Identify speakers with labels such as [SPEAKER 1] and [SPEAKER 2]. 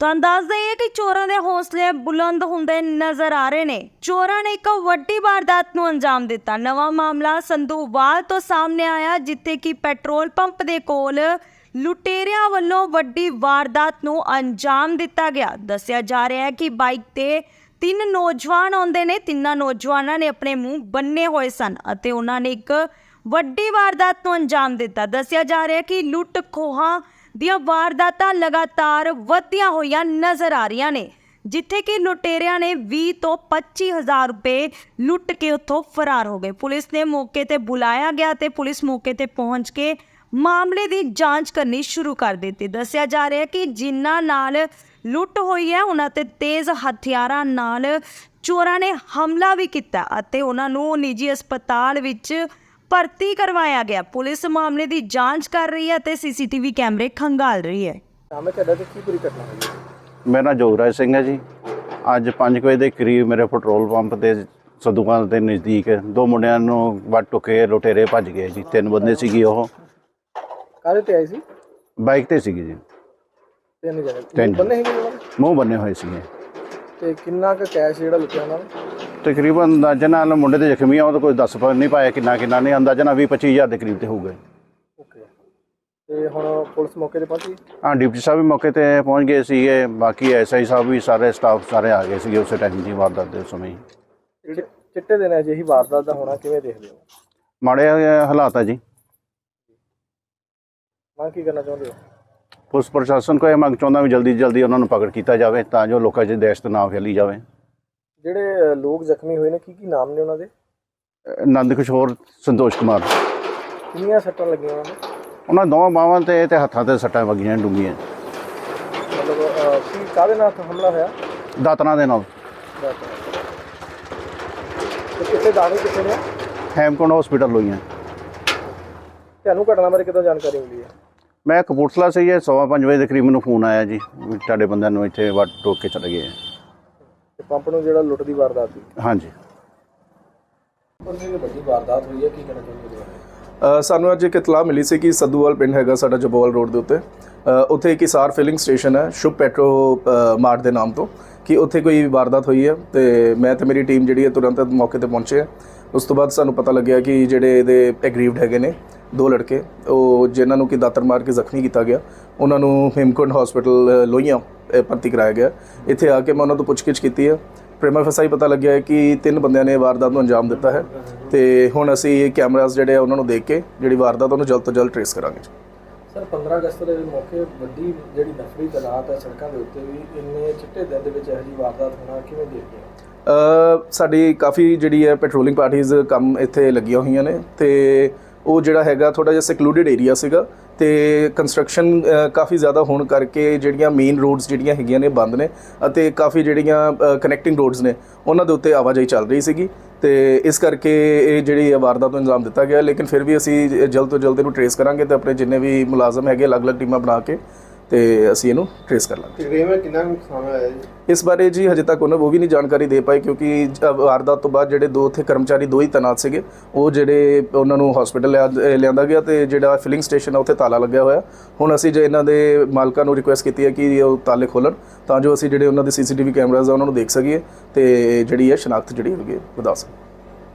[SPEAKER 1] ਤੁਹਾਨੂੰ ਦੱਸ ਦਈਏ ਕਿ ਚੋਰਾਂ ਦੇ ਹੌਸਲੇ ਬੁਲੰਦ ਹੁੰਦੇ ਨਜ਼ਰ ਆ ਰਹੇ ਨੇ। ਚੋਰਾਂ ਨੇ ਇੱਕ ਵੱਡੀ ਵਾਰਦਾਤ ਨੂੰ ਅੰਜਾਮ ਦਿੱਤਾ। ਨਵਾਂ ਮਾਮਲਾ ਸੰਧੂਵਾਲ ਤੋਂ ਸਾਹਮਣੇ ਆਇਆ, ਜਿੱਥੇ ਕਿ ਪੈਟਰੋਲ ਪੰਪ ਦੇ ਕੋਲ ਲੁਟੇਰਿਆਂ ਵੱਲੋਂ ਵੱਡੀ ਵਾਰਦਾਤ ਨੂੰ ਅੰਜਾਮ ਦਿੱਤਾ ਗਿਆ। ਦੱਸਿਆ ਜਾ ਰਿਹਾ ਹੈ ਕਿ ਬਾਈਕ ਤੇ 3 ਨੌਜਵਾਨ ਆਉਂਦੇ ਨੇ। ਤਿੰਨਾਂ ਨੌਜਵਾਨਾਂ ਨੇ ਆਪਣੇ ਮੂੰਹ ਬੰਨੇ ਹੋਏ ਸਨ ਅਤੇ ਉਹਨਾਂ ਨੇ ਇੱਕ ਵੱਡੀ ਵਾਰਦਾਤ ਨੂੰ ਅੰਜਾਮ ਦਿੱਤਾ। ਦੱਸਿਆ ਜਾ ਰਿਹਾ ਹੈ ਕਿ ਲੁੱਟ ਖੋਹਾਂ ਦੀਆਂ ਵਾਰਦਾਤਾਂ ਲਗਾਤਾਰ ਵਧਦੀਆਂ ਹੋਈਆਂ ਨਜ਼ਰ ਆ ਰਹੀਆਂ ਨੇ, ਜਿੱਥੇ ਕਿ ਲੁਟੇਰਿਆਂ ਨੇ 20 ਤੋਂ 25,000 ਰੁਪਏ ਲੁੱਟ ਕੇ ਉੱਥੋਂ ਫਰਾਰ ਹੋ ਗਏ। ਪੁਲਿਸ ਨੇ ਮੌਕੇ ਤੇ ਬੁਲਾਇਆ ਗਿਆ ਤੇ ਪੁਲਿਸ ਮੌਕੇ ਤੇ ਪਹੁੰਚ ਕੇ ਮਾਮਲੇ ਦੀ ਜਾਂਚ ਕਰਨੀ ਸ਼ੁਰੂ ਕਰ ਦਿੱਤੀ। ਦੱਸਿਆ ਜਾ ਰਿਹਾ ਹੈ ਕਿ ਜਿਨ੍ਹਾਂ ਨਾਲ ਲੁੱਟ ਹੋਈ ਹੈ ਉਹਨਾਂ ਤੇ ਤੇਜ਼ ਹਥਿਆਰਾਂ ਨਾਲ ਚੋਰਾਂ ਨੇ ਹਮਲਾ ਵੀ ਕੀਤਾ ਅਤੇ ਉਹਨਾਂ ਨੂੰ ਨਿੱਜੀ ਹਸਪਤਾਲ ਵਿੱਚ ਭਰਤੀ ਕਰਵਾਇਆ ਗਿਆ। ਪੁਲਿਸ ਮਾਮਲੇ ਦੀ ਜਾਂਚ ਕਰ ਰਹੀ ਹੈ ਤੇ ਸੀਸੀਟੀਵੀ ਕੈਮਰੇ ਖੰਗਾਲ ਰਹੀ ਹੈ।
[SPEAKER 2] ਮੇਰਾ ਨਾਮ ਜੋਗਰਾਜ ਸਿੰਘ ਹੈ ਜੀ। ਅੱਜ 5 ਵਜੇ ਦੇ ਕਰੀਬ ਮੇਰੇ ਪੈਟਰੋਲ ਪੰਪ ਤੇ ਸੰਧੂਵਾਲ ਦੇ ਨਜ਼ਦੀਕ 2 ਮੁੰਡਿਆਂ ਨੂੰ ਵੱਢ ਟੁਕੇ ਲੁਟੇਰੇ ਭੱਜ ਗਏ ਜੀ। 3 ਬੰਦੇ ਸੀਗੇ। ਉਹ
[SPEAKER 3] ਕਾਹਦੇ ਤੇ ਆਏ ਸੀ?
[SPEAKER 2] ਬਾਈਕ ਤੇ ਸੀਗੇ ਜੀ।
[SPEAKER 3] 3 ਜਣੇ
[SPEAKER 2] 3
[SPEAKER 3] ਬੰਨੇ ਹੈਗੇ ਉਹਨਾਂ
[SPEAKER 2] ਮੂੰਹ ਬੰਨੇ ਹੋਏ ਸੀਗੇ।
[SPEAKER 3] ਤੇ ਕਿੰਨਾ ਕੁ ਕੈਸ਼ ਜਿਹੜਾ ਲੁੱਟਿਆ ਉਹਨਾਂ ਨੇ?
[SPEAKER 2] ਤਕਰੀਬਨ ਅੰਦਾਜ਼ਾ ਨਾਲ ਮੁੰਡੇ ਤੇ ਜ਼ਖਮੀ ਆ, ਉਹ ਤਾਂ ਕੋਈ ਦੱਸ ਨਹੀਂ ਪਾਇਆ ਕਿੰਨਾ ਨਹੀਂ। ਅੰਦਾਜ਼ਾ ਨਾਲ 20-25,000 ਦੇ ਕਰੀਬ ਤੇ ਹੋਊਗਾ।
[SPEAKER 3] ਓਕੇ। ਤੇ ਹੁਣ ਪੁਲਿਸ ਮੌਕੇ ਤੇ ਪਹੁੰਚੀ?
[SPEAKER 2] ਹਾਂ, ਡਿਪਟੀ ਸਾਹਿਬ ਵੀ ਮੌਕੇ ਤੇ ਪਹੁੰਚ ਗਏ ਸੀਗੇ। ਬਾਕੀ ਐਸਆਈ ਸਾਹਿਬ ਵੀ ਸਾਰੇ ਸਟਾਫ ਸਾਰੇ ਆ ਗਏ ਸੀਗੇ ਉਸੇ ਟਾਈਮ ਦੀ ਵਾਰਦਾਤ ਦੇ ਸਮੇਂ ਹੀ।
[SPEAKER 3] ਚਿੱਟੇ ਦਿਨ ਅਜਿਹੀ ਵਾਰਦਾਤ ਦਾ ਹੋਣਾ ਕਿਵੇਂ ਦੇਖਦੇ ਹੋ?
[SPEAKER 2] ਮਾੜੇ ਹਾਲਾਤ ਆ ਜੀ।
[SPEAKER 3] ਮੈਂ ਕੀ ਕਰਨਾ ਚਾਹੁੰਦੇ ਹੋ?
[SPEAKER 2] ਪੁਲਿਸ ਪ੍ਰਸ਼ਾਸਨ ਕੋਲ ਇਹ ਮੰਗ ਚਾਹੁੰਦਾ ਵੀ ਜਲਦੀ ਜਲਦੀ ਉਹਨਾਂ ਨੂੰ ਪਕੜ ਕੀਤਾ ਜਾਵੇ ਤਾਂ ਜੋ ਲੋਕਾਂ 'ਚ ਦਹਿਸ਼ਤ ਨਾ ਫੈਲੀ ਜਾਵੇ।
[SPEAKER 3] ਜਿਹੜੇ ਲੋਕ ਜ਼ਖਮੀ ਹੋਏ ਨੇ ਕੀ ਨਾਮ ਨੇ ਉਹਨਾਂ ਦੇ?
[SPEAKER 2] ਨੰਦ ਕਿਸ਼ੋਰ, ਸੰਤੋਸ਼ ਕੁਮਾਰ।
[SPEAKER 3] ਕਿੰਨੀਆਂ ਸੱਟਾਂ ਲੱਗੀਆਂ ਉਹਨਾਂ ਨੂੰ? ਉਹਨਾਂ
[SPEAKER 2] ਦੋਵਾਂ ਬਾਹਾਂ ਤੇ ਹੱਥਾਂ ਤੇ ਸੱਟਾਂ ਵੱਜੀਆਂ ਡੂੰਘੀਆਂ।
[SPEAKER 3] ਮਤਲਬ ਕੀ ਕਾਹਦੇ ਨਾਲ ਹਮਲਾ ਹੋਇਆ?
[SPEAKER 2] ਦਾਤਰਾਂ ਦੇ ਨਾਲ।
[SPEAKER 3] ਤੇ ਕਿੱਥੇ ਦਾਖਲ ਕਿੱਥੇ ਨੇ?
[SPEAKER 2] ਹੈਮਕੁੰਡ ਹਸਪੀਟਲ ਹੋਈਆਂ।
[SPEAKER 3] ਤੁਹਾਨੂੰ ਘਟਨਾ ਬਾਰੇ ਕਿੱਦਾਂ ਜਾਣਕਾਰੀ ਮਿਲੀ ਹੈ?
[SPEAKER 2] ਮੈਂ ਕਪੂਰਥਲਾ ਸੀ। 5:15 ਵਜੇ ਦੇ ਕਰੀਬ ਮੈਨੂੰ ਫੋਨ ਆਇਆ ਜੀ, ਤੁਹਾਡੇ ਬੰਦਿਆਂ ਨੂੰ ਇੱਥੇ ਵੱਢ ਟੋਕ ਕੇ ਚਲੇ ਗਏ।
[SPEAKER 3] ਤੇ ਪੰਪ ਨੂੰ ਜਿਹੜਾ ਲੁੱਟ ਦੀ ਵਾਰਦਾਤ ਸੀ?
[SPEAKER 2] ਹਾਂਜੀ।
[SPEAKER 3] ਵੱਡੀ ਵਾਰਦਾਤ ਹੋਈ ਹੈ, ਕੀ ਕਹਿਣਾ ਚਾਹੁੰਦੇ ਹੋ?
[SPEAKER 4] ਸਾਨੂੰ ਅੱਜ ਇੱਕ ਇਤਲਾਹ ਮਿਲੀ ਸੀ ਕਿ ਸੰਧੂਵਾਲ ਪਿੰਡ ਹੈਗਾ ਸਾਡਾ ਜਬੋਵਾਲ ਰੋਡ ਦੇ ਉੱਤੇ, ਉੱਥੇ ਇੱਕ ਹਿਸਾਰ ਫਿਲਿੰਗ ਸਟੇਸ਼ਨ ਹੈ ਸ਼ੁਭ ਪੈਟਰੋ ਮਾਰਟ ਦੇ ਨਾਮ ਤੋਂ, ਕਿ ਉੱਥੇ ਕੋਈ ਵਾਰਦਾਤ ਹੋਈ ਹੈ। ਤੇ ਮੈਂ ਤੇ ਮੇਰੀ ਟੀਮ ਜਿਹੜੀ ਹੈ ਤੁਰੰਤ ਮੌਕੇ ਤੇ ਪਹੁੰਚੇ ਹੈ। ਉਸ ਤੋਂ ਬਾਅਦ ਸਾਨੂੰ ਪਤਾ ਲੱਗਿਆ ਕਿ ਜਿਹੜੇ ਇਹਦੇ ਐਗਰੀਵਡ ਹੈਗੇ ਨੇ 2 ਲੜਕੇ, ਉਹ ਜਿਨ੍ਹਾਂ ਨੂੰ ਕਿ ਦਾਤਰ ਮਾਰ ਕੇ ਜ਼ਖਮੀ ਕੀਤਾ ਗਿਆ, ਉਹਨਾਂ ਨੂੰ ਹੇਮਕੁੰਡ ਹਸਪੀਟਲ ਲੋਹੀਆਂ ਭਰਤੀ ਕਰਾਇਆ ਗਿਆ। ਇੱਥੇ ਆ ਕੇ ਮੈਂ ਉਹਨਾਂ ਤੋਂ ਪੁੱਛਗਿੱਛ ਕੀਤੀ ਹੈ। ਪ੍ਰੀਮਾ ਫਸਾਈ ਪਤਾ ਲੱਗਿਆ ਹੈ ਕਿ 3 ਬੰਦਿਆਂ ਨੇ ਵਾਰਦਾਤ ਨੂੰ ਅੰਜਾਮ ਦਿੱਤਾ ਹੈ ਤੇ ਹੁਣ ਅਸੀਂ ਕੈਮਰਾਸ ਜਿਹੜੇ ਆ ਉਹਨਾਂ ਨੂੰ ਦੇਖ ਕੇ ਜਿਹੜੀ ਵਾਰਦਾਤ ਉਹਨੂੰ ਜਲਦ ਤੋਂ ਜਲਦ ਟ੍ਰੇਸ ਕਰਾਂਗੇ।
[SPEAKER 3] ਸਰ 15 ਅਗਸਤ ਦੇ ਮੌਕੇ ਵੱਡੀ ਜਿਹੜੀ ਨਫਰੀ ਤਨਾਤ ਹੈ ਸੜਕਾਂ ਦੇ ਉੱਤੇ ਵੀ, ਇੰਨੇ ਚਿੱਟੇ ਦਿਨ ਦੇ ਵਿੱਚ ਇਹੋ ਜਿਹੀ ਵਾਰਦਾਤ ਹੋਣਾ ਕਿਵੇਂ ਦੇਖਦੇ ਹੋ?
[SPEAKER 4] ਸਾਡੀ ਕਾਫੀ ਜਿਹੜੀ ਹੈ ਪੈਟਰੋਲਿੰਗ ਪਾਰਟੀਜ਼ ਕੰਮ ਇੱਥੇ ਲੱਗੀਆਂ ਹੋਈਆਂ ਨੇ ਤੇ ਉਹ ਜਿਹੜਾ ਹੈਗਾ ਥੋੜ੍ਹਾ ਜਿਹਾ ਸੈਕਲੂਡਡ ਏਰੀਆ ਸੀਗਾ ਤੇ ਕੰਸਟਰਕਸ਼ਨ ਕਾਫੀ ਜ਼ਿਆਦਾ ਹੋਣ ਕਰਕੇ ਜਿਹੜੀਆਂ ਮੇਨ ਰੋਡਸ ਜਿਹੜੀਆਂ ਹੈਗੀਆਂ ਨੇ ਬੰਦ ਨੇ ਅਤੇ ਕਾਫੀ ਜਿਹੜੀਆਂ ਕਨੈਕਟਿੰਗ ਰੋਡਸ ਨੇ ਉਹਨਾਂ ਦੇ ਉੱਤੇ ਆਵਾਜਾਈ ਚੱਲ ਰਹੀ ਸੀਗੀ ਤੇ ਇਸ ਕਰਕੇ ਇਹ ਜਿਹੜੀ ਵਾਰਦਾਤ ਨੂੰ ਅੰਜਾਮ ਦਿੱਤਾ ਗਿਆ। ਲੇਕਿਨ ਫਿਰ ਵੀ ਅਸੀਂ ਜਲਦ ਤੋਂ ਜਲਦ ਇਹਨੂੰ ਟ੍ਰੇਸ ਕਰਾਂਗੇ ਤੇ ਆਪਣੇ ਜਿੰਨੇ ਵੀ ਮੁਲਾਜ਼ਮ ਹੈਗੇ ਅਲੱਗ-ਅਲੱਗ ਟੀਮਾਂ ਬਣਾ ਕੇ ਤੇ ਅਸੀਂ ਇਹਨੂੰ ਟ੍ਰੇਸ ਕਰ ਲਾਂਗੇ।
[SPEAKER 3] ਤਕਰੀਬਨ ਕਿੰਨਾ ਨੁਕਸਾਨ ਹੋਇਆ ਜੀ?
[SPEAKER 4] ਇਸ ਬਾਰੇ ਜੀ ਹਜੇ ਤੱਕ ਉਹ ਵੀ ਨਹੀਂ ਜਾਣਕਾਰੀ ਦੇ ਪਾਏ ਕਿਉਂਕਿ ਵਾਰਦਾਤ ਤੋਂ ਬਾਅਦ ਜਿਹੜੇ 2 ਉੱਥੇ ਕਰਮਚਾਰੀ 2 ਹੀ ਤੈਨਾਤ ਸੀਗੇ, ਉਹ ਜਿਹੜੇ ਉਹਨਾਂ ਨੂੰ ਹਸਪੀਟਲ ਲਿਆਂਦਾ ਗਿਆ ਤੇ ਜਿਹੜਾ ਫਿਲਿੰਗ ਸਟੇਸ਼ਨ ਆ ਉੱਥੇ ਤਾਲਾ ਲੱਗਿਆ ਹੋਇਆ। ਹੁਣ ਅਸੀਂ ਜੇ ਇਹਨਾਂ ਦੇ ਮਾਲਕਾਂ ਨੂੰ ਰਿਕੁਐਸਟ ਕੀਤੀ ਹੈ ਕਿ ਉਹ ਤਾਲੇ ਖੋਲ੍ਹਣ ਤਾਂ ਜੋ ਅਸੀਂ ਜਿਹੜੇ ਉਹਨਾਂ ਦੇ ਸੀਸੀਟੀਵੀ ਕੈਮਰਾਜ਼ ਆ ਉਹਨਾਂ ਨੂੰ ਦੇਖ ਸਕੀਏ ਤੇ ਜਿਹੜੀ ਹੈ ਸ਼ਨਾਖਤ ਜਿਹੜੀ ਹੈਗੀ ਵਧਾ ਸਕੀਏ।